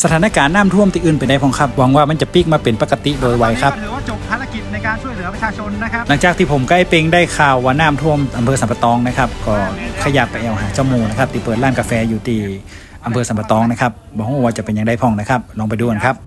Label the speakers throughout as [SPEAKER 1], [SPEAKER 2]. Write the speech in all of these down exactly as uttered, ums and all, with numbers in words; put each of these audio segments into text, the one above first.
[SPEAKER 1] ถานการณ์น้ำท่วมที่อื่นเป็นได้พองครับหวังว่ามันจะปิกมาเป็นปกติโดยไวครับ
[SPEAKER 2] ถือว่าจบภารกิจในการช่วยเหลือประชาชนนะครับ
[SPEAKER 1] หลังจากที่ผมใกล้เปงได้ข่าวว่าน้ำท่วมอำเภอสัมปะตองนะครับก็ขยับไปแอวหาเจ้าหมูนะครับที่เปิดร้านกาแฟอยู่ที่อำเภอสัมปะตองนะครับบอกว่าจะเป็นยังไงพองนะครับลองไปดูกันครับ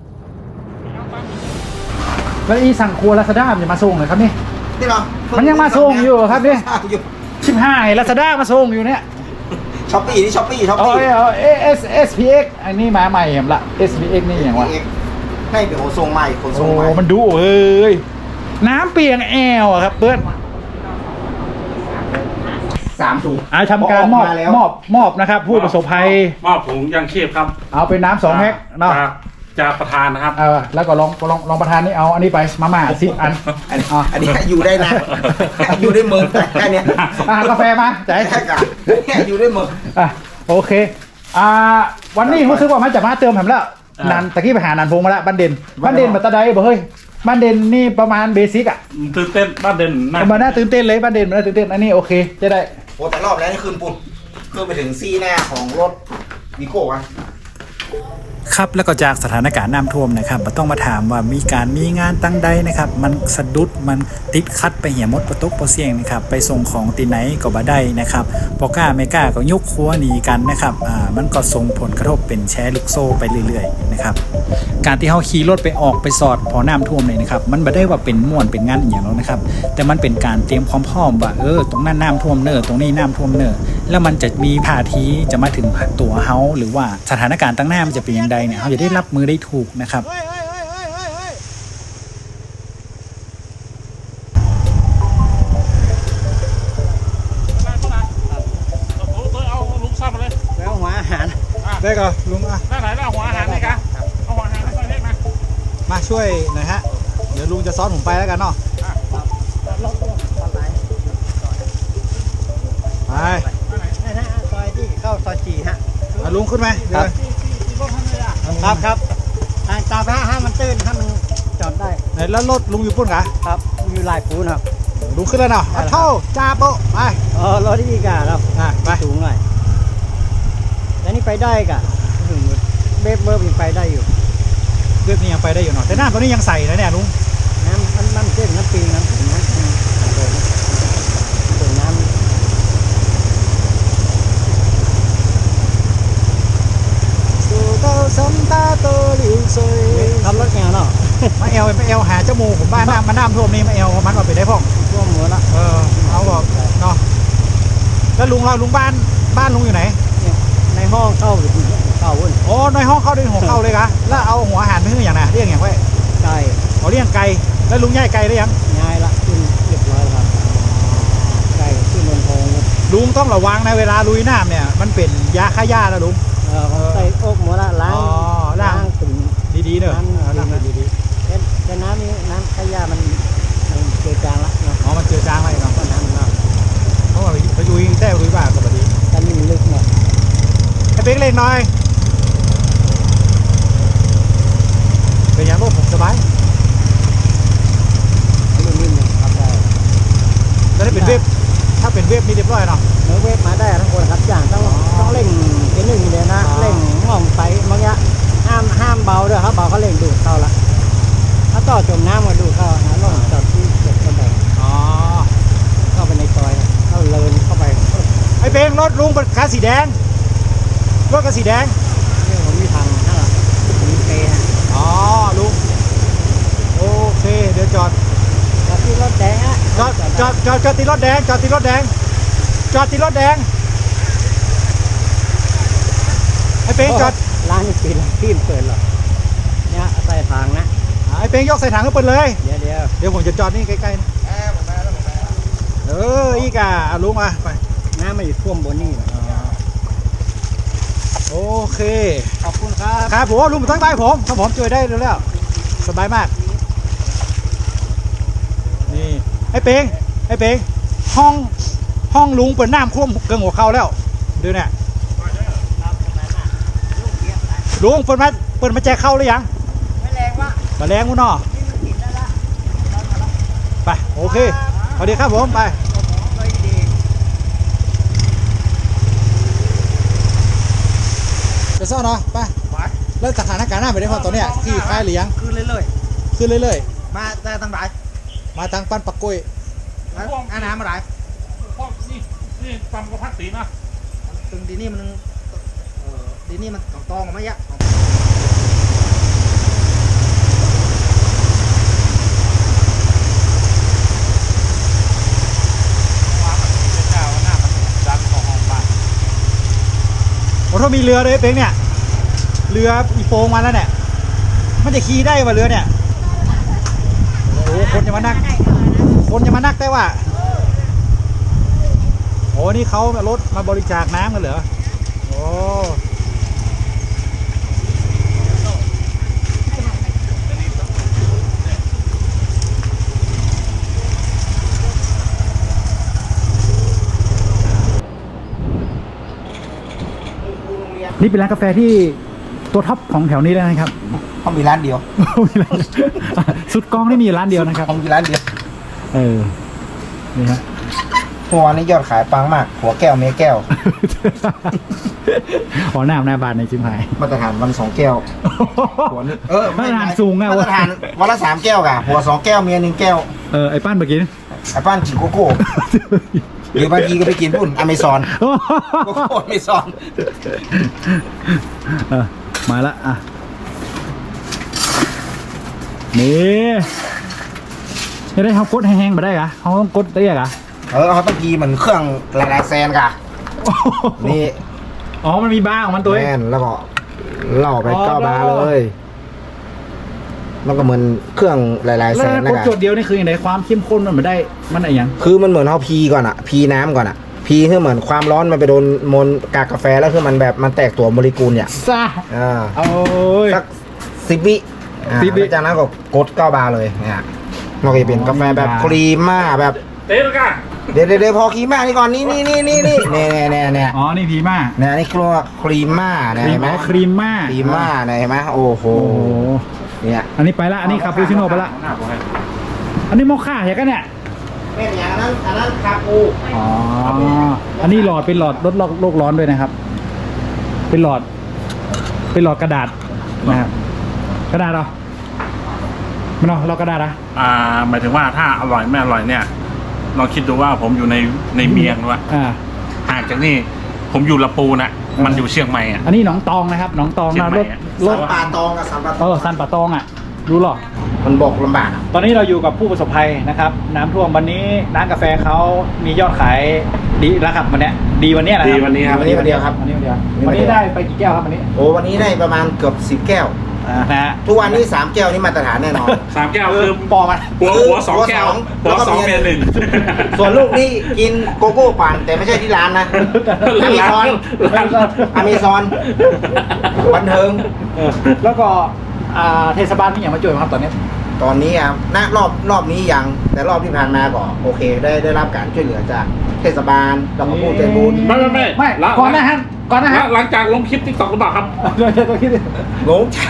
[SPEAKER 1] แล้วอีสั่งครัวลาซาด้าจะมาส่งเลยครับนี่
[SPEAKER 3] นี่เหรอ
[SPEAKER 1] มันยังมาส่งอยู่ครับนี่ชิบหายลาซาด้ามาส่งอยู่เนี่ย
[SPEAKER 3] ช้อปปี้นี่ช้อปปี้ช้อป
[SPEAKER 1] อ๋อ
[SPEAKER 3] ปี้
[SPEAKER 1] เอเอสเอสพีเอ็กอันนี้มาใหม่เห็นละเอสพีเอ็กนี่อย่างวะ
[SPEAKER 3] ให้เป็นขนส่งใหม่ขนส่งใหม่
[SPEAKER 1] โอ้มันดูเฮ้ยน้ำเปียงแอลอะครับเพื่อน
[SPEAKER 3] สามถุง
[SPEAKER 1] อ่าทำการมอบมอบมอบนะครับผู้ประสบภัย
[SPEAKER 4] มอบถุงยังชีพครับ
[SPEAKER 1] เอาเป็นน้ำสองแพ็คเนาะ
[SPEAKER 4] จากประธานนะครับ
[SPEAKER 1] เออแล้วก็ลองลองลองประธานนี่เอาอันนี้ไปมาม่าสิบอัน
[SPEAKER 3] อันนี้อันนี้อยู่ได้นะอยู่ได้เมืองแค่นี้
[SPEAKER 1] อ่ากาแฟมาใจ
[SPEAKER 3] แค่กันอยู่ได้เมือง
[SPEAKER 1] อ่ะโอเคอ่าวันนี้รู้สึกว่ามันจะมาเติมผมแล้วนันตะกี้ไปหานันพงมาแล้วบ้านเด่นบ้านเด่นมาตะไดบ่เฮ้ยบ้านเด่นนี่ประมาณเบสิกอ่ะ
[SPEAKER 4] ตื่นเต้นบ้านเด่น
[SPEAKER 1] มาหน้าตื่นเต้นเลยบ้านเด่นมาหน้าตื่นเต้นอันนี้โอเคจะได้
[SPEAKER 3] โอ้แต่รอบแล้วนี่คืนปุ่นคืนไปถึงซี่หน้าของรถวิโก้อะ
[SPEAKER 1] ครับแล้วก็จากสถานการณ์น้ำท่วมนะครับมาต้องมาถามว่ามีการมีงานตั้งใดนะครับมันสะดุดมันติดคัดไปเหี่ยมดประตกประเสียงนะครับไปส่งของตีไหนก็บ่ได้นะครับพอกล้าไม่กล้าก็ยกครัวหนีกันนะครับอ่ามันก็ส่งผลกระทบเป็นแชร์ลูกโซ่ไปเรื่อยๆนะครับการที่เขาขี่รถไปออกไปสอดพอน้ำท่วมเลยนะครับมันไม่ได้ว่าเป็นม่วนเป็นงานอย่างนั้นนะครับแต่มันเป็นการเตรียมความพร้อมว่าเออตรงนั้นน้ำท่วมเนอตรงนี้น้ำท่วมเนอแล้วมันจะมีท่าทีจะมาถึงตัวเฮาหรือว่าสถานการณ์ตั้งหน้ามันจะเป็นอย่างไรเนี่ยเขาจะได้รับมือได้ถูกนะครับ
[SPEAKER 2] แล้วหัวอาหาร
[SPEAKER 1] ได้ก็ลุงอ่ะ
[SPEAKER 4] ได้ไหนแล้วหัวอาหารนี่กะเอาหัวอาหารมาใส่เล็กนะ
[SPEAKER 1] มาช่วยหน่อยฮะเดี๋ยวลุงจะซ้อนผมไปแล้วกันเนาะไป
[SPEAKER 2] นี่นะซอยที่เข้าซอยจีฮะ
[SPEAKER 1] ลุงขึ้นไหมครับ
[SPEAKER 2] ครับครับทางตาพระห้ามันตื้นถ้ามันจอดได้
[SPEAKER 1] แล้วรถลุงอยู่ปุ่นกะ
[SPEAKER 2] ครับมีลายปูนครับ
[SPEAKER 1] ลุงขึ้นแล้วเนาะเท่าจ้าโปไป
[SPEAKER 2] เออรถที่อีกอะครับ
[SPEAKER 1] ไป
[SPEAKER 2] สูงหน่อยแล้วนี่ไปได้กะถึงเบบเบิร์ยังไปได้อยู่
[SPEAKER 1] เบบนี้ยังไปได้อยู่เนาะแต่น้ำตัวนี้ยังใส่นะเนี่ยลุง
[SPEAKER 2] น้ำมันน้ำเส้นน้ำปิงน้ำถึงน้ำถึงน้ำทำรถแอลเนาะ
[SPEAKER 1] มาเอลมาเอลหาเจ้ามูผมบ้านน้ำมาน้ำท่วมนี่มาเอลมันว่าไปได้พ่อง
[SPEAKER 2] ท่วมหมดละ
[SPEAKER 1] เออเอาบอกเนาะแล้วลุงเราลุงบ้านบ้านลุงอยู่ไหน
[SPEAKER 2] ในห้องเข้าหรือเข้าวุ่น
[SPEAKER 1] โอ้ในห้องเข้าด้วยหัวเข้าเลยกะแล้วเอาหัวอาหารไปให้อย่างไรเรียกอย่างไร
[SPEAKER 2] ไก่
[SPEAKER 1] เขาเรียกไก่แล้วลุงย่ายไก่ได้ยัง
[SPEAKER 2] ย่ายละขึ้นเรียบร้อยครับไก่ขึ้นบนทอง
[SPEAKER 1] ลุงต้องระวังนะเวลาลุยน้ำเนี่ยมันเป็นยาฆ่าหญ้าแล้วลุง
[SPEAKER 2] เออใส่อกหมดละล้าง
[SPEAKER 1] ล้าง
[SPEAKER 2] ถึง
[SPEAKER 1] ดีๆเนอะ
[SPEAKER 2] ล้างดีๆแต่น้ำนี้น้ำขยะมันเจือจางละ
[SPEAKER 1] อ๋อมันเจือจางอะไรเนาะ
[SPEAKER 2] ก็น้ำเนาะ
[SPEAKER 1] เพราะว่าไปลุยแท้ลุยบ้าก็แบบนี้
[SPEAKER 2] แต่นี่มันลึกหน่อย
[SPEAKER 1] ให้เป๊กเล็กหน่อยเป็นอย่างโลกผมสบาย
[SPEAKER 2] นิ่มๆครับได้
[SPEAKER 1] จะได้เป็นเว็บถ้าเป็นเว็บนี่เรียบร้อยเนาะ
[SPEAKER 2] เนื้อเว็บมาได้ทั้งคนครับอย่างต้องต้องเร่งเกณฑ์หนึ่งเลยนะเร่งมองไปบางอย่างห้ามห้ามเบาด้วยครับเบาเขาเร่งดูดเข้าละถ้าต่อจมน้ำมาดูเข้านะล่องจอดที่เก็บกระแบง
[SPEAKER 1] อ๋อ
[SPEAKER 2] เข้าไปในซอยเข้าเลินเข้าไป
[SPEAKER 1] ไอ้เบงรถลุงเป็นคันสีแดงรถคันสีแดง
[SPEAKER 2] นี่ผมมีทางนั่นแหละผมมีเกย์
[SPEAKER 1] อ๋อลุงโอเคเดี๋ยวจอด
[SPEAKER 2] จอดที่รถแดงอะ
[SPEAKER 1] จอดจอดจอดจอดที่รถแดงจอดที่รถแดงจอดที่รถแดงไอ้เป้งจอด
[SPEAKER 2] ร้านนี้ปิดที่เปิดหรอเนี่ยใส่ทางนะ
[SPEAKER 1] ไอ้เป้งยกใส่ถังก็เปิดเลย
[SPEAKER 2] เดี๋ยวเดี๋ยว
[SPEAKER 1] เดี๋ยวผมจะจอดนี่ใกล้ๆนะเอออีกอ่ะลุงมาไป
[SPEAKER 2] น้ำมาอยู่ท่วมบนนี่
[SPEAKER 1] โอเค
[SPEAKER 2] ขอบคุณครับ
[SPEAKER 1] ครับผมลุงมาตั้งใต้ผมถ้าผมช่วยได้แล้วสบายมากนี่ไอ้เป้งไอ้เป้งห้องห้องลุงเปิดน้ำท่วมเกินหัวเข่าแล้วดูเนี่ยลุงเปิดมาเปิดมาแจกเข้าหรือยัง
[SPEAKER 2] ไม่แรงวะ
[SPEAKER 1] มาแรงมั้งเนาะไปโอเคสวัสดีครับผมไปจะซ่อนเนาะไปแล้วสถานการณ์หน้าไปได้พอตอนเนี้ยที่ค่ายเลี้ยง
[SPEAKER 3] ขึ้นเรื่อย
[SPEAKER 1] ขึ้นเรื่อย
[SPEAKER 3] ๆมาแต่ตั้งหลาย
[SPEAKER 1] ๆ มาทางปั้นปักกุ้ย
[SPEAKER 3] แล้วอาน้ำมาหลาย
[SPEAKER 4] พวกนี่นี่ตำกระพักสีนะ
[SPEAKER 3] ตึงดีนี่มันเออดีนี่มันตองตองออกมาเยอะ
[SPEAKER 1] โอ้ถ้ามีเรือเลยเป้งเนี่ยเรืออีโปงมาแล้วเนี่ยมันจะขี่ได้ป่ะเรือเนี่ยโอ้คนจะมานั่งคนจะมานั่งได้ว่าโอ้นี่เขารถมาบริจาคน้ำกันเหรอโอ้นี่เป็นร้านกาแฟที่ตัวท็อปของแถวนี้แล้วนะครับ
[SPEAKER 3] เขามีร้านเดียว
[SPEAKER 1] มีร้านสุดกองนี่มีร้านเดียวนะครับ
[SPEAKER 3] เขามีร้านเดียว
[SPEAKER 1] เออ นี่ฮะ
[SPEAKER 3] หัวนี่ยอดขายปังมากหัวแก้วเมียแก้ว
[SPEAKER 1] ขอหน้าหน้าบานในจิมหาย
[SPEAKER 3] มาตรฐานวันสองแก้วหัวนี่เออ
[SPEAKER 1] มาตรฐานสูงอะ
[SPEAKER 3] มาตรฐานวันละสามแก้วกะหัวสองแก้วเมียหนึ่งแก้ว
[SPEAKER 1] เออ ไอ้ป้านเมื่อกี้
[SPEAKER 3] ไอ้ป้านกินโกโก้หรือบางทีก็ไปกินปุ่นอเมซอนโกโก้อเมซอน
[SPEAKER 1] เออ มาละอ่ะ นี่จะได้เขากดแห้งๆมาได้กะเขาต้องกดได้กะ
[SPEAKER 3] เออเขาต้องพีเหมือนเครื่องหลายๆแซนกะนี่
[SPEAKER 1] อ๋อ มันมีบ้าของมันตัวเอง
[SPEAKER 3] แม่นแล้วก็เล่าไป
[SPEAKER 1] อ๋อ
[SPEAKER 3] เก้าบาร์เลยมันก็เหมือนเครื่องหลายๆ
[SPEAKER 1] แล้
[SPEAKER 3] แส
[SPEAKER 1] วน
[SPEAKER 3] นะ
[SPEAKER 1] กด
[SPEAKER 3] ครับ
[SPEAKER 1] จดเดียวนี่คืออย่างไรความเข้มข้นมันไม่ได้ มันอะไรอย่าง
[SPEAKER 3] คือมันเหมือนเขาพีก่อนอะพีน้ำก่อนอะพีคือเหมือนความร้อนมันไปโดนมลกากกาแฟแล้วคือมันแบบมันแตกตัวโมเลกุลเนี่ย
[SPEAKER 1] ซ่า
[SPEAKER 3] อ่า
[SPEAKER 1] โอ้ย
[SPEAKER 3] สักสิบวิอ่า
[SPEAKER 1] สิบวิ
[SPEAKER 3] แล้วจากนั้นก็กดเก้าบาร์เลยเนี่ยมันก็จะเป็นกาแฟแบบ
[SPEAKER 1] อ๋อ
[SPEAKER 3] ครีมม่าแบบ
[SPEAKER 4] เต๊ะแล้วกัน
[SPEAKER 3] เดี๋ยวเดี๋ยวเดี๋ยวพอครีมม่านี่ก่อนนี่นี่นี่นี่นี่เนี่ยเนี่ยเนี่ยเนี่ย
[SPEAKER 1] อ๋อ นี่พีม่า
[SPEAKER 3] เนี่ยนี่คือว่าครีมม่าเนี่ย
[SPEAKER 1] ครี
[SPEAKER 3] เห็
[SPEAKER 1] ม
[SPEAKER 3] นไหม
[SPEAKER 1] ครีมม่า
[SPEAKER 3] ครีมม่าเนี่ยเห็นไหมโอ้โห
[SPEAKER 1] โอ้โห
[SPEAKER 3] เนี่ย
[SPEAKER 1] อันนี้ไปละ อันนี้คาปูชิโน่ไปละ
[SPEAKER 4] หน้าผมให้
[SPEAKER 1] อันนี้โมค่าเหรอกันเนี่ย
[SPEAKER 3] เป็นอย่างนั้นอันนั้นคาปู
[SPEAKER 1] อ๋อ อันนี้หลอดเป็นหลอดลดโลกร้อนด้วยนะครับ เป็นหลอด เป็นหลอดกระดาษนะครับ กระดาษเหรอไม่เนาะเรากระดาษอะ
[SPEAKER 4] อ่าหมายถึงว่าถ้าอร่อยไม่อร่อยเนี่ยลองคิดดูว่าผมอยู่ในในเมียงว่า
[SPEAKER 1] อ่า
[SPEAKER 4] ห่างจากนี่ผมอยู่ละปูนะมันอยู่เชียงใหม่อ่ะ
[SPEAKER 1] อันนี้หนองตองนะครับ หนองตอง
[SPEAKER 4] เชีย
[SPEAKER 1] นะ
[SPEAKER 4] งใหม่
[SPEAKER 1] รถ
[SPEAKER 4] อะ
[SPEAKER 1] ร
[SPEAKER 3] สั
[SPEAKER 1] ถ
[SPEAKER 3] นป่าตองกับสันป่าต
[SPEAKER 1] เอ
[SPEAKER 3] อง
[SPEAKER 1] อซันป่าตองอ่ะ รู้หรอ
[SPEAKER 3] มันบอกลำบากอะ
[SPEAKER 1] ตอนนี้เราอยู่กับผู้ประสบภัยนะครับ น้ำท่วมวันนี้ร้านกาแฟเขามียอดขายดีแล้วครับวันเนี้ยดีวันเนี้ยนะค
[SPEAKER 4] ดี
[SPEAKER 1] รับ
[SPEAKER 4] วันนี้ครับ
[SPEAKER 3] วันนี้วันเดียวครับ
[SPEAKER 1] วันนี้วันเดียววันนี้ได้ไปกี่แก้วครับวันนี้
[SPEAKER 3] โอ้วันนี้ได้ประมาณเกือบสิบแก้ว
[SPEAKER 1] อ่านะฮะ
[SPEAKER 3] ทุกวันนี้สามแก้วนี่มาตรฐานแน่นอน
[SPEAKER 4] สามแก้วคือ
[SPEAKER 1] ปอมัน
[SPEAKER 4] หัวหัวสองแก้ว
[SPEAKER 3] หั
[SPEAKER 4] หั
[SPEAKER 3] ว
[SPEAKER 4] ว
[SPEAKER 3] ส
[SPEAKER 4] ส
[SPEAKER 3] อ
[SPEAKER 4] อง ง
[SPEAKER 3] เมี
[SPEAKER 4] เมี
[SPEAKER 3] ย
[SPEAKER 4] ย
[SPEAKER 3] ห
[SPEAKER 4] ห
[SPEAKER 3] นึ่
[SPEAKER 4] นึ่
[SPEAKER 3] ง
[SPEAKER 4] ง
[SPEAKER 3] ส่วนลูกนี่กินโกโก้ปั่นแต่ไม่ใช่ที่ร้านนะอเมซอนอเมซอนบันเทิง
[SPEAKER 1] เออแล้วก็อ่าเทศบาลนี่อย่างมาช่วยไหมครับตอนนี้
[SPEAKER 3] ตอนนี้อ่ะณรอบรอบนี้ยังแต่รอบที่ผ่านมาก็โอเค ได้ได้รับการช่วยเหลือจากเทศบาลแล้วก็ผู้ใจบุญ
[SPEAKER 4] ไม่ไม่ไม่
[SPEAKER 1] ไม่
[SPEAKER 4] หลัง
[SPEAKER 1] ก่อนหนะฮะก่อนหนะฮะ
[SPEAKER 4] หลังจากลงคลิปติ๊กต็อกหรือเปล่าครับ
[SPEAKER 1] เดี๋ยวจะต้องคิด
[SPEAKER 3] งงจัง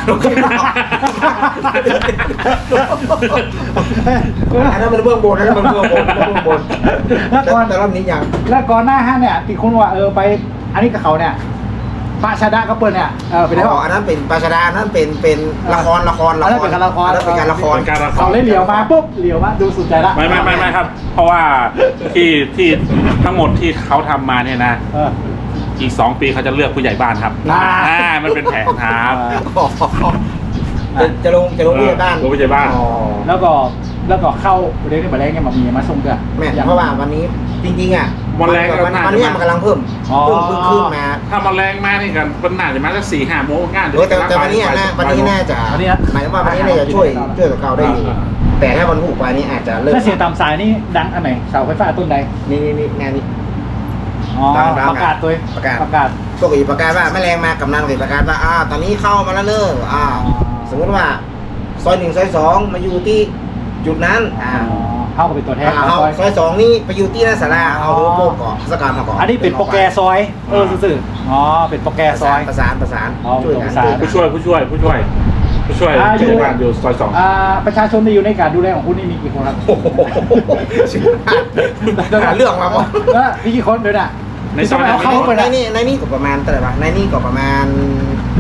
[SPEAKER 3] อันนั้นมันเบื้องบนอันนั้นมันเบื้องบนเบื้องบน
[SPEAKER 1] แล้ว
[SPEAKER 3] แต่
[SPEAKER 1] ก่อน
[SPEAKER 3] แต่รอบนี้ยัง
[SPEAKER 1] แล้วก่อนหน้าฮะเนี่ยที่คุณว่าเออไปอันนี้กับเขาเนี่ยปาชาดาก็เปิดเนี่ยเออไปได้
[SPEAKER 3] อ๋
[SPEAKER 1] ป่ะ
[SPEAKER 3] ออันนั้นเป็นปราชดาอันนั้นเป็นเป็นละครละคร
[SPEAKER 1] อันนั้นเป็นการละคร
[SPEAKER 3] อันนั้นเป็นการละคร
[SPEAKER 4] เป็นการละค
[SPEAKER 1] เขา
[SPEAKER 4] ร
[SPEAKER 1] เลยเหลียวมาปุ๊บเหลียวมาดูสุดใจละ
[SPEAKER 4] ไม่ไม่ไม่ไม่ครับ เพราะว่าที่ที่ทั้งหมดที่เขาทำมาเนี่ยนะ
[SPEAKER 1] เออ
[SPEAKER 4] อีกสองปีเขาจะเลือกผู้ใหญ่บ้านครับ
[SPEAKER 1] อ่า
[SPEAKER 4] อ่ามันเป็นแผนครับ
[SPEAKER 3] จะจะลงจะลงผู้ใหญ่บ้าน
[SPEAKER 4] ลงผู้ใหญ่บ้าน
[SPEAKER 3] อ๋อ
[SPEAKER 1] แล้วก็แล้วก็เข้าเรื่องนี้มาแรงเนี่ยมามีมาส่งเกลือ
[SPEAKER 3] แม่เพราะว่าวันนี้จริงๆอ่ะ
[SPEAKER 4] วันแรกก็
[SPEAKER 3] วัน
[SPEAKER 4] น่าจะ
[SPEAKER 3] วันเนี้ยมันกำลังเพิ่ม
[SPEAKER 1] อ๋อ
[SPEAKER 3] เพิ่มขึ้นขึ้นมา
[SPEAKER 4] ถ้ามันแรงมากนี่กันมันน่าจะมาสักสี่ห้าโมงงาน
[SPEAKER 3] เออแต่แต่วันนี้อะนะวันนี้น่าจะ
[SPEAKER 1] วันนี้นะ
[SPEAKER 3] หมายถึงว่าวันนี้น่าจะช่วยช่วยกับเก่าได้อยู่
[SPEAKER 4] อ่า
[SPEAKER 3] แต่ถ้าวันผูกไปนี่อาจจะเลิก
[SPEAKER 1] ถ้าเสียงตามสายนี่ดังอันไหนเสาไฟฟ้าต้นใด
[SPEAKER 3] นี่นี่นี่งานนี้
[SPEAKER 1] อ๋อ
[SPEAKER 3] ดังดัง
[SPEAKER 1] ประกาศตัว
[SPEAKER 3] ประกาศ
[SPEAKER 1] ประกาศ
[SPEAKER 3] ปกติประกาศว่าแม่แรงมากำลังติดประกาศว่าอ่าตอนนี้เข้ามาแล้วเนอะอ่า สมมติว่าซอยหนึ่งซอยสองมาอยู่ที่จุดนั้นอ่า
[SPEAKER 1] อ๋อเข้ากับเป็นตัวแทน
[SPEAKER 3] อ่า
[SPEAKER 1] ของ
[SPEAKER 3] เอา
[SPEAKER 1] ซอย
[SPEAKER 3] ซอยสองนี่ไปอยู่ที่หน้าศาลาเอาโลโก้ก่อนสกัดมาก่อน
[SPEAKER 1] อันนี้เป็นโปรแกรซอยเออซื่อๆอ๋อเป็นโปรแกร
[SPEAKER 3] ประ
[SPEAKER 1] ซ
[SPEAKER 3] สา
[SPEAKER 1] อน ย
[SPEAKER 3] ประสานประสาน
[SPEAKER 1] อ๋อ
[SPEAKER 3] ช่วยกัน
[SPEAKER 1] ประสาน
[SPEAKER 3] ช่วยกัน
[SPEAKER 4] ผู้ช่วยผู้ช่วยผู้ช่วยผู้ช่วย
[SPEAKER 1] อ่าอยู่
[SPEAKER 4] ผู้ช่วยบ้านอยู่ซอยสอง
[SPEAKER 1] อ่าประชาชนที่อยู่ในการดูแลของคุณนี่มีกี่คนครับ
[SPEAKER 3] โอ้โหหาเรื่องมาหมด
[SPEAKER 1] เออมีกี่คนเดี๋ยวน่ะ
[SPEAKER 4] ในซอย
[SPEAKER 1] ที่ต้องเอาเข้าไป
[SPEAKER 3] ใน
[SPEAKER 1] นะ
[SPEAKER 3] นี่ในนี่ก็ประมาณเท่าไหร่วะในนี่ก็ประมาณ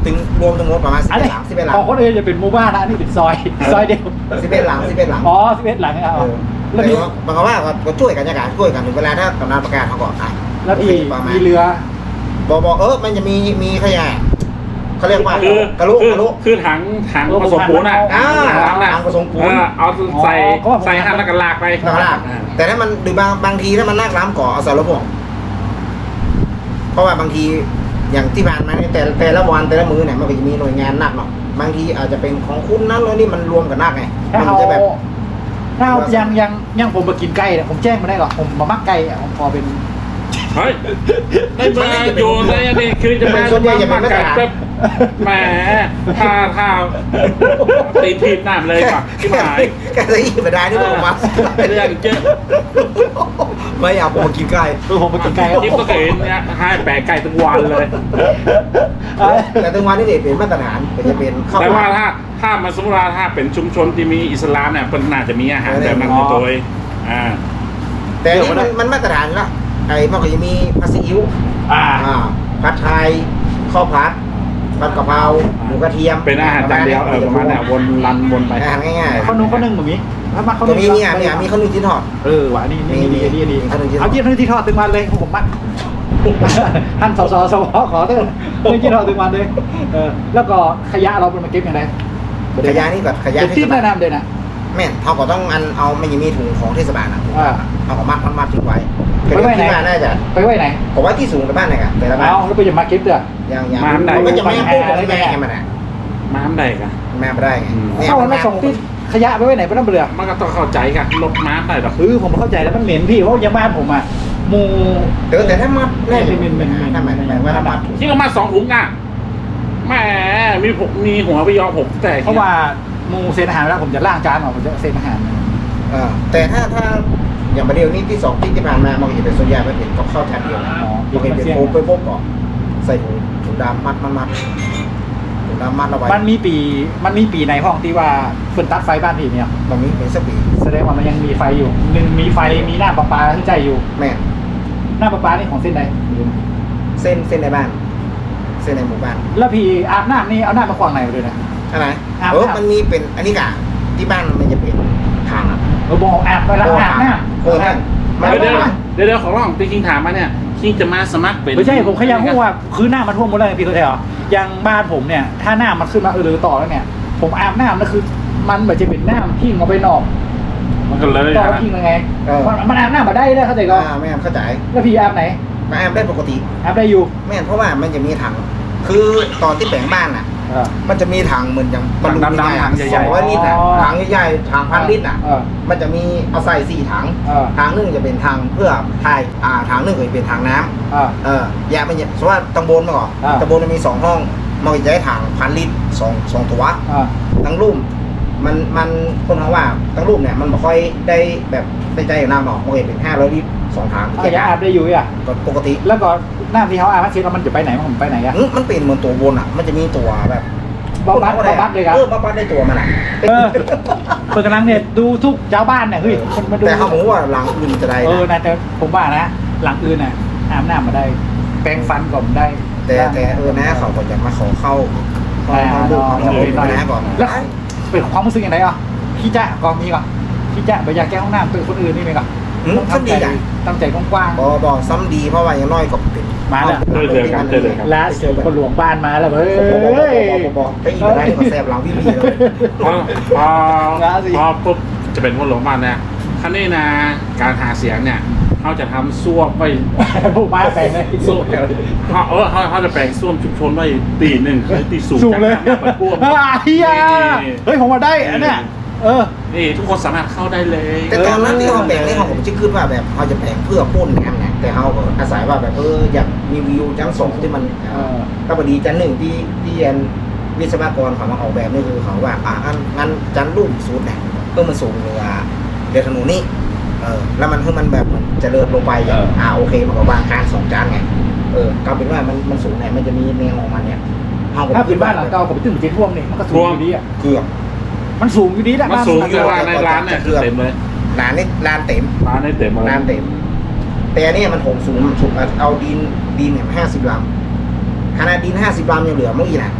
[SPEAKER 3] ถึงรวมทั้งหมดประมาณสิบ
[SPEAKER 1] อัน
[SPEAKER 3] เอ็
[SPEAKER 1] นี้
[SPEAKER 3] ดหลังสิบเอ็ดหลั
[SPEAKER 1] ข
[SPEAKER 3] ง
[SPEAKER 1] องคนอื่นจะเป็นหมู่บ้านนะอันนี้เป็นซอยซอยเดียว
[SPEAKER 3] สิบเอ็ดหลังสิบเอ็ดหลัง
[SPEAKER 1] อ๋อสิบเอ็ดหลังครับ
[SPEAKER 3] เออ
[SPEAKER 1] แล้ว
[SPEAKER 3] แต่
[SPEAKER 1] มี
[SPEAKER 3] ว่าบางคนว่าก็ช่วยกันอย่างช่วยกันถึงเวลาถ้ากำนันประกาศเขาก่อนอ่ะ
[SPEAKER 1] แล้วพี่
[SPEAKER 3] ประมาณ
[SPEAKER 1] มีเรือ
[SPEAKER 3] บอกบอกเออมันจะมีมีขยะเขาเรียกว่า
[SPEAKER 4] คือก
[SPEAKER 3] ระลุ
[SPEAKER 4] คือก
[SPEAKER 3] ระลุ
[SPEAKER 4] คือถังถังผสมปูนอ่ะ
[SPEAKER 3] อ่า
[SPEAKER 4] ถังน่ะ
[SPEAKER 3] ถังผสมปูน
[SPEAKER 4] เออเอาใส่ใส่หันแล้วก็ลากไป
[SPEAKER 3] ข้างล่างแต่ถ้ามันหรือบางบางทีถ้ามันนักล้ำก่อเอาใส่รถพ่วงเพราะว่าบางทีอย่างที่ผ่านมาเนี่ยแต่แต่ละวันแต่ละมื้อเนี่ยมันก็จะมีหน่วยงานนักเนาะบางทีอาจจะเป็นของคุณนั้นแล้วนี่มันรวมกันนักไง
[SPEAKER 1] ถ้า
[SPEAKER 3] มั
[SPEAKER 1] เอา
[SPEAKER 3] จะแบบ
[SPEAKER 1] ถ้าเอายังยังยังผมมากินไก่เนี่ยผมแจ้งมาได้หรอผมมามักไก่อ่ะผมพอเป็น
[SPEAKER 4] เฮ้ยไม่มาอยู่ในอันนี้คือจะมา
[SPEAKER 3] ส่วนใหญ่จะเป็น
[SPEAKER 4] มา
[SPEAKER 3] มาตร
[SPEAKER 4] ไก่
[SPEAKER 3] ฐาน
[SPEAKER 4] แบบแหมถ้าถ้าตีทีบน้ำเลยก่อนที่หมาย
[SPEAKER 3] แกจะอีกไม่ได้นี่บอกมา
[SPEAKER 4] เรื่องเยอะ
[SPEAKER 3] ไม่อยากผมมากินไก่
[SPEAKER 1] เออผมมากินไก่
[SPEAKER 4] นี่ก็เคยเห็นเนี่ยให้แปะไก่ทุกวันเลย
[SPEAKER 3] แต่ถึงวันนี้เนี่ยเป็นมาตรฐานเป็นจะเป็นข้าว
[SPEAKER 4] แต่ว่าถ้าถ้ามาสมมติว่าถ้าเป็นชุมชนที่มีอิสลามเนี่ยมันน่าจะมีอาหารแบบนั้นในตัวเองอ่า
[SPEAKER 3] แต่นี่มันมันมาตรฐานแล้วไอ้มันก็จะมีผัดซีอิ๊ว
[SPEAKER 1] อ่า
[SPEAKER 3] อ่าผัดไทยข้าวผัดผัดกะเพราหมูกระเทียม
[SPEAKER 4] เป็นอาหารจานเดียวเออประมาณนี้วนรันวนไป
[SPEAKER 3] อาหารง่าย
[SPEAKER 1] ข้าวนุ่งข้าวนึ่งแบบนี้ถ้ามา
[SPEAKER 3] ๆ
[SPEAKER 1] ข้าว
[SPEAKER 3] ตร
[SPEAKER 1] นึ่
[SPEAKER 3] ง
[SPEAKER 1] ง
[SPEAKER 3] นี้เนี่ยเนี่ยมีข้าวนึ่งที่ทอด
[SPEAKER 1] เออว่ะนี่นี่นี่นี่นี่
[SPEAKER 3] มีขนมจีนทอด
[SPEAKER 1] เอาเยี่ยมที่ทอดตึงวันเลยผมมักท่านสสสวขอเถอะเรื่องที่ทอดตึงวันเลยเออแล้วก็ขยะเราเป็นมาเก็บอย่างไร
[SPEAKER 3] ขยะนี่แบบขยะ
[SPEAKER 1] จะ
[SPEAKER 3] เท
[SPEAKER 1] ติ้
[SPEAKER 3] ศ
[SPEAKER 1] ม
[SPEAKER 3] บา
[SPEAKER 1] แนะ
[SPEAKER 3] ล
[SPEAKER 1] นำเลยนะ
[SPEAKER 3] แม่นเขาก็ต้องอันเอาไม่ยังมีถุงของเทศบาลนะ
[SPEAKER 1] อ่า
[SPEAKER 3] เอาก็มัดมัดมัดทิ้งไว้
[SPEAKER 1] ไว้ไว้ไหน
[SPEAKER 3] ที่บ้านน่าจะ
[SPEAKER 1] ไปไว้ไหน
[SPEAKER 3] ผมว่าที่สูงกับบ้านไหนกันแต่ละบ้าน
[SPEAKER 1] เอาแล้วไปจะมาเก็บเถอะ
[SPEAKER 3] อย่างอย่าง
[SPEAKER 4] มาอันใด
[SPEAKER 3] มันก็จะไม่พูดกับแม่มันอ่ะ
[SPEAKER 4] ม้ามใดกัน
[SPEAKER 3] แม่ไม่ได้ไง
[SPEAKER 4] อืม
[SPEAKER 3] เนี่ย
[SPEAKER 1] เข้าแล้วส่งที่ขยะไปไว้ไหนไปน้ำเบลือ
[SPEAKER 4] มันก็ต้องเข้าใจกันลบม้ามได้หรอก
[SPEAKER 1] คือผมเข้าใจแล้วมันเหม็นพี่เพราะยังบ้านผมอ่ะหมู
[SPEAKER 3] แต่แต่ถ้ามัดแน่
[SPEAKER 1] เป็นเป็นเป็นเป็น
[SPEAKER 3] ถ้าหมายหมายว่าถ้ามัดถุง
[SPEAKER 4] ที่เขามาสองถุงอ่ะแหมมีผมมีหัวไปยอผมแต่
[SPEAKER 1] เพราะว่าหมูเซนอาหารแล้วผมจะล่างจานออกผมจะเซนอาหาร
[SPEAKER 3] เออแต่ถ้าถ้าอย่างประเดี๋ยวนี้ที่สองที่ที่ผ่านมามันก็จะเป็นส่วนใหญ่มันเป็นกับข้าวจานเดียว
[SPEAKER 1] อ๋อ
[SPEAKER 3] มันเป็นเป็นโป๊ะไปโป๊ะก่อนใส่ถุงถุงดำมัดมัดมัดถุงดำมัดเอาไว้
[SPEAKER 1] มันมีปีมันมีปีในห้องที่ว่าเพิ่นตัดไฟบ้านพี่เนี่ย
[SPEAKER 3] ตรงนี้เป็นสปี
[SPEAKER 1] แสดงว่ามันยังมีไฟอยู่หนึ่งมีไฟมีหน้าประปาที่ใจอยู่
[SPEAKER 3] แม่
[SPEAKER 1] หน้าประปานี่ของเส้นใด
[SPEAKER 3] เส้นเส้นในบ้าน เส้นในหมู่บ้าน
[SPEAKER 1] แล้วพี่อาบน้ำนี่เอาหน้ามาขวางไหนมาด้วยนะ
[SPEAKER 3] อะไร
[SPEAKER 1] อาบ
[SPEAKER 3] เออ
[SPEAKER 1] น้ำ
[SPEAKER 3] มันมีเป็นอันนี้กะที่บ้านมันจะเป็นทางอ่ะ
[SPEAKER 1] เออบอกอาบไปแล้วอาบน้ำ
[SPEAKER 3] เออนั่นมัน
[SPEAKER 4] เดี๋ยว
[SPEAKER 3] ไม่
[SPEAKER 4] เดี๋ยว
[SPEAKER 3] ได้
[SPEAKER 4] เดี๋ยวเดี๋ยวขอร้องตีคิงถามมาเนี่ยคิงจะมาสมัครเป็น
[SPEAKER 1] ไม่ใช่ผมแค่ยังพูดว่าคือหน้ามันท่วมหมดเลยพี่เข้าใจเหรออย่างบ้านผมเนี่ยถ้าหน้ามันขึ้นมาเออหรือต่อแล้วเนี่ย ผมอาบน้ำนั่นคือ มันแบบจะเป็นน้ำทิ้งเอาไปนอก
[SPEAKER 4] มันก็เลย
[SPEAKER 1] ต่อ
[SPEAKER 4] นะ
[SPEAKER 1] ทิ้งยังไงมันมันอาบน้ำมาได้เลยเข้าใจก็
[SPEAKER 3] อ่าแม่เข้าใจ
[SPEAKER 1] แล้วพี่อาบไหน
[SPEAKER 3] มาแอมได้ปกติ
[SPEAKER 1] อาบได้อยู่
[SPEAKER 3] แม่เพราะว่ามันจะมีถัง คือตอนที่แปลงบ้านอ่ะ
[SPEAKER 1] เออ
[SPEAKER 3] มันจะมีถังเหมือนอย่างบรรลุ
[SPEAKER 4] ดำๆถังใหญ่ๆ
[SPEAKER 3] สองร้อยลิตรอ่ะ
[SPEAKER 1] อ๋อ
[SPEAKER 3] ถังใหญ่ๆถังพันลิตรอ่ะ
[SPEAKER 1] เออ
[SPEAKER 3] มันจะมีเอาใส่สี่ถัง
[SPEAKER 1] เออ
[SPEAKER 3] ถังหนึงจะเป็นถังเพื่อทายอ่าถังหนึงก็จะเป็นถังน้ำ
[SPEAKER 1] เออ
[SPEAKER 3] เออแยกมันเนี่ยสมมติว่าตำบลมาก่อน
[SPEAKER 1] อ่า
[SPEAKER 3] ตำบลมันมีสองห้อง มันก็จะได้ถังพันลิตรสองสองตัว
[SPEAKER 1] เออ
[SPEAKER 3] ตั้งรุ่มมันมันคนเขาว่าตั้งรุ่มเนี่ยมันไม่ค่อยได้แบบได้ใจอย่างน้ำหรอกมันก็จะเป็นห้าร้อยลิตรสองถัง
[SPEAKER 1] เอาอย่าอาบได้อยู่อ่ะ
[SPEAKER 3] ก็ปกติ
[SPEAKER 1] แล้วก็น้ำที่เขาอาบมาเช็ดแล้วมันจะไปไหนมันไปไหนอ่ะ
[SPEAKER 3] อื้อมันเป็นเหมือนตัววนอ่ะ มันจะมีตัวแบบ
[SPEAKER 1] บำบัดบำบัดเลยครับ
[SPEAKER 3] เออบำบัดได้ตัวมันอ่ะ
[SPEAKER 1] เออเปิดกำลังเนี่ยดูทุกชาวบ้านเนี่ยเฮ้ยคนมาดู
[SPEAKER 3] แต่เขาบอกว่าหลังอื่นจะได้
[SPEAKER 1] เออ
[SPEAKER 3] นะ
[SPEAKER 1] นะแต่ผมว่านะ หลังอื่นน่ะอาบน้ำมาได้ แปรงฟันก่อนได้
[SPEAKER 3] แต่แต่เออนะเขาก็จะมาขอเข้าเข้า
[SPEAKER 1] อ่า
[SPEAKER 3] เข้าดูเขา
[SPEAKER 1] เออ
[SPEAKER 3] ขอนะก่อน
[SPEAKER 1] แล้วเป็นความรู้สึกอย่างไรอ่ะขี้จ้ะก่อนมีก่อนขี้จ้ะไปอยากแก้ห้องน้ำเป็นคนอื่นนี่ไหมก่อน
[SPEAKER 3] อืม
[SPEAKER 1] ต้อง
[SPEAKER 3] ซ้ำ
[SPEAKER 1] ทำ
[SPEAKER 3] ดี
[SPEAKER 1] ใจ
[SPEAKER 3] อ่ะ
[SPEAKER 1] ตั้งใจกว้าง
[SPEAKER 3] บอบอซ้ำดีเพราะว่าอย่างน้อยก็เป็น
[SPEAKER 1] มาแล้ว
[SPEAKER 4] เจอเจอกันเจอเลยครับ
[SPEAKER 1] ๆและเจอคนหลวงบ้านมาแล้วเว้
[SPEAKER 3] บอบ
[SPEAKER 1] ย
[SPEAKER 3] อบอบอไปอีกได้ก็แสบหลังพี่พีเลย
[SPEAKER 4] พอพอ
[SPEAKER 1] ราศี
[SPEAKER 4] พอปุ๊บจะเป็นคนหลงบ้านเนี่ยคันนี้นะการหาเสียงเนี่ยเขาจะทำซ่วมไว้
[SPEAKER 1] พวกมาแปลงเลย
[SPEAKER 4] ซ่วมเขาเออเขาเขาจะแปลงซ่วมชุมชนไว้ตีหนึ่งคือตีสูง
[SPEAKER 1] สูงเลย
[SPEAKER 4] จากน้ำมันท่วม
[SPEAKER 1] อ่าเฮียเฮ้ยผมมาได้อันเนี้ยเออ
[SPEAKER 4] นี่ทุกคนสามารถเข้าได้เลย
[SPEAKER 3] แต่ตอนนั้นที่เขาแบ่งนี่เขาผมจะคิดว่าแบบเขาจะแบ่งเพื่อป้นน้ำนะแต่เขาก็อาศัยว่าแบบเอออยากมีวิวจังสองที่มัน
[SPEAKER 1] เออ
[SPEAKER 3] ก็พอดีจันหนึ่งที่ที่เรียนวิศวกรเขามาออกแบบนี่คือเขาว่าอ่างั้นงั้นจันรุ่มสูตรเนี่ยเพื่อมันสูงเรือเรือถนนนี่เออแล้วมันเพื่อมันแบบเจริญลงไปอย่างอ่าโอเคมันก็วางการสองจานไงเออก็เป็นว่ามันมันสูงเนี่ยมันจะมีแนวของมันเนี่ยเขาก็
[SPEAKER 1] ถ้าเป็นบ้านหลังเก่าผมไปตึ้งเจ๊ท่วมนี่มันก็สูงอยู่ดีอ่ะ
[SPEAKER 3] เกือบ
[SPEAKER 1] มันสูงอยู่ดีแหละ
[SPEAKER 4] มัน
[SPEAKER 1] บ้าน
[SPEAKER 4] สูง
[SPEAKER 1] หลัง
[SPEAKER 4] เยอะ
[SPEAKER 1] เก่า
[SPEAKER 4] ว่าในร้านเนี่ยคือเต็มเลย
[SPEAKER 3] ร้านนี่ร้านเต็ม
[SPEAKER 4] ร้านได้เต็มเลย
[SPEAKER 3] ร้านเต็ม แต่อันนี้มันถมสูงมันสูงเอาดินดินเนี่ยห้าสิบลำขนาดดินห้าสิบลำยังเหลือเมื่อกี้นะ
[SPEAKER 1] เอ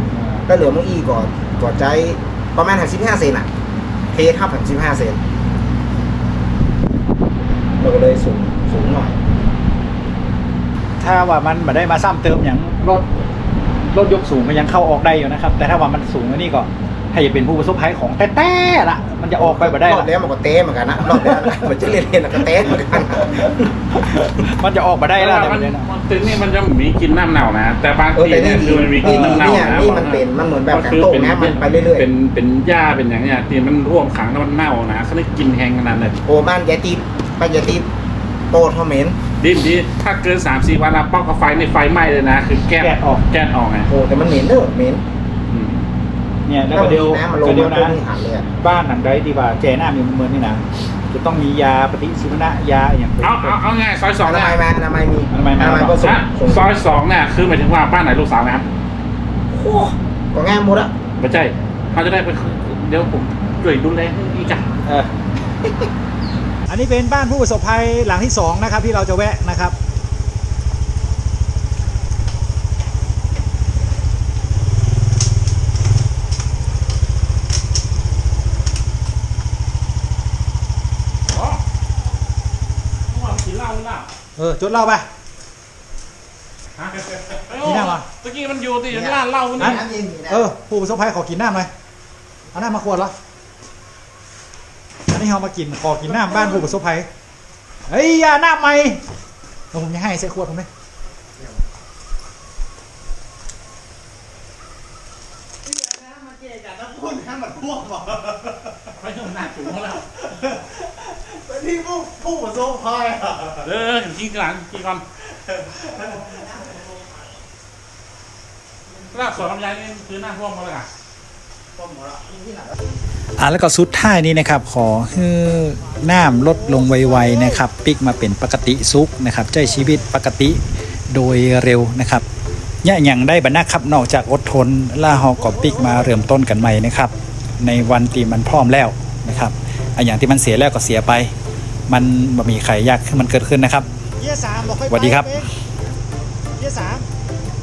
[SPEAKER 3] แล้วเหลือมังอีก่อนก่อนใจประมาณหันสิบห้าเซนอ่ะเททับหันสิบห้าเซนเราก็เลยสูงสูงหน่อย
[SPEAKER 1] ถ้าว่ามันมาได้มาซ้ำเติมอย่างรถรถยกสูงมันยังเข้าออกได้อยู่นะครับ แต่ถ้าว่ามันสูงกว่านี้ก็ให้เป็นผู้ประสบภัยของแต้ๆละมันจะออกไปบ่ได้
[SPEAKER 3] รอบ
[SPEAKER 1] ละ
[SPEAKER 3] แล้วมันก็เต้เหมือนกันนะรอบแล้วมันจะเล่นๆแล้วก็เต้เหมือนกัน
[SPEAKER 1] มันจะออกมาได้แล้ว
[SPEAKER 4] มัน
[SPEAKER 1] เนี่ยนะ
[SPEAKER 4] มันตึงนี่มันจะมีกลินน้ำเน่านะแต่บาง
[SPEAKER 3] เออ
[SPEAKER 4] ที
[SPEAKER 3] แต่
[SPEAKER 4] เนี่
[SPEAKER 3] นี่
[SPEAKER 4] ยคือมันมีกลินน้ำเน่า
[SPEAKER 3] เนี่ย
[SPEAKER 4] นะ
[SPEAKER 3] นี่มันเป็นมันเหมือนแบบการ
[SPEAKER 4] คือ
[SPEAKER 3] โต้
[SPEAKER 4] เป็น
[SPEAKER 3] นะมันไปเรื่อย
[SPEAKER 4] เป็นเป็นหญ้าเป็นอย่างเนี้ยที่มันร่วมขังแล้วมันเน่านะเขาได้กินแห้งขนาดนั้น
[SPEAKER 3] ๆโอ้บ้านยายตีไปยายตีโตทอมเมน
[SPEAKER 4] ดินดีถ้าเกินสามสี่วันแล้วป้องกับไฟในไฟไหม้เลยนะคือแก๊ส
[SPEAKER 1] แก๊สออก
[SPEAKER 4] แก๊สออกไง
[SPEAKER 3] โอ้แต่มันเหม็นเด้อเหม็น
[SPEAKER 4] อืม
[SPEAKER 1] เนี่ยแล้ว
[SPEAKER 3] ถ้า
[SPEAKER 1] ก็
[SPEAKER 3] มัน
[SPEAKER 1] เดียว
[SPEAKER 3] มีน้ำมันลง
[SPEAKER 1] ก็เดียว
[SPEAKER 3] มาปุ๊บ
[SPEAKER 1] นะ
[SPEAKER 3] นี่หันเลยอะ
[SPEAKER 1] บ้านหลังใดที่ว่าแจหน้ามีเหมือนนี่นะจะต้องมียาปฏิชีวนะยาอย่างเป็น
[SPEAKER 4] เอาเอาเอาไงซอยสอง
[SPEAKER 3] อ
[SPEAKER 4] เนี่
[SPEAKER 3] นาย มัยมาอนามัยมี
[SPEAKER 1] อนามัยมา
[SPEAKER 3] อนามัยก็ส่ง
[SPEAKER 4] อ่ะ
[SPEAKER 3] ส่ง
[SPEAKER 4] ซอยสองเนี่ยคือหมายถึงว่าบ้านไหนลูกสาวนะครับ
[SPEAKER 3] โอ้ก็ง่ายหมดอะ
[SPEAKER 4] ไม่ใช่เขาจะได้ไปเดี๋ยวผมช่วยดูแลอีกจ้ะ
[SPEAKER 1] เออ อันนี้เป็นบ้านผู้ประสบภัยหลังที่สองนะครับที่เราจะแวะนะครับ
[SPEAKER 4] อ๋อเมื่อวานกินเหล้าหรือเปล่า
[SPEAKER 1] เออจดเล่าไป
[SPEAKER 4] ฮะ
[SPEAKER 1] กินเหล้าเหรอ
[SPEAKER 4] ตะกี้มันอยู่ที่ร้านเหล้า
[SPEAKER 3] มี
[SPEAKER 4] นี่
[SPEAKER 3] น้ำเย็นมีนะ
[SPEAKER 1] เออผู้ประสบภัยขอกินน้ำหน่อยเอาน้ำมาขวดเหรออันนี้เรามากินขอกินน้ำบ้านผู้ประสบภัยเฮ้ยอยาน้ำใหม่เดี๋ยวผมจะให้ใส่ขวดผมไหม
[SPEAKER 4] ไปถึงหน้าถุงแล้ว
[SPEAKER 2] ที่ผู้ผู้ประสบภัยอ่ะ
[SPEAKER 4] เออเห็นกินก่อนกินก่อนรากสวนลำไยนี่คือหน้าท่วมมาเลยอ่ะ
[SPEAKER 1] อ่ะแล้วก็สุดท้ายนี้นะครับขอให้น้ำลดลงไวๆนะครับปิกมาเป็นปกติสุขนะครับใช้ชีวิตปกติโดยเร็วนะครับเนี่ยอย่างได้บรรณาครับนอกจากอดทนล่าฮอกอบปิกมาเริ่มต้นกันใหม่นะครับในวันที่มันพร้อมแล้วนะครับอันอย่างที่มันเสียแล้วก็เสียไป มันบ่มีใครอยากให้มันเกิดขึ้นนะครับ
[SPEAKER 2] เยี่ยสามบอกค่อย
[SPEAKER 1] สวัสดีครับ
[SPEAKER 2] เยี่ยสาม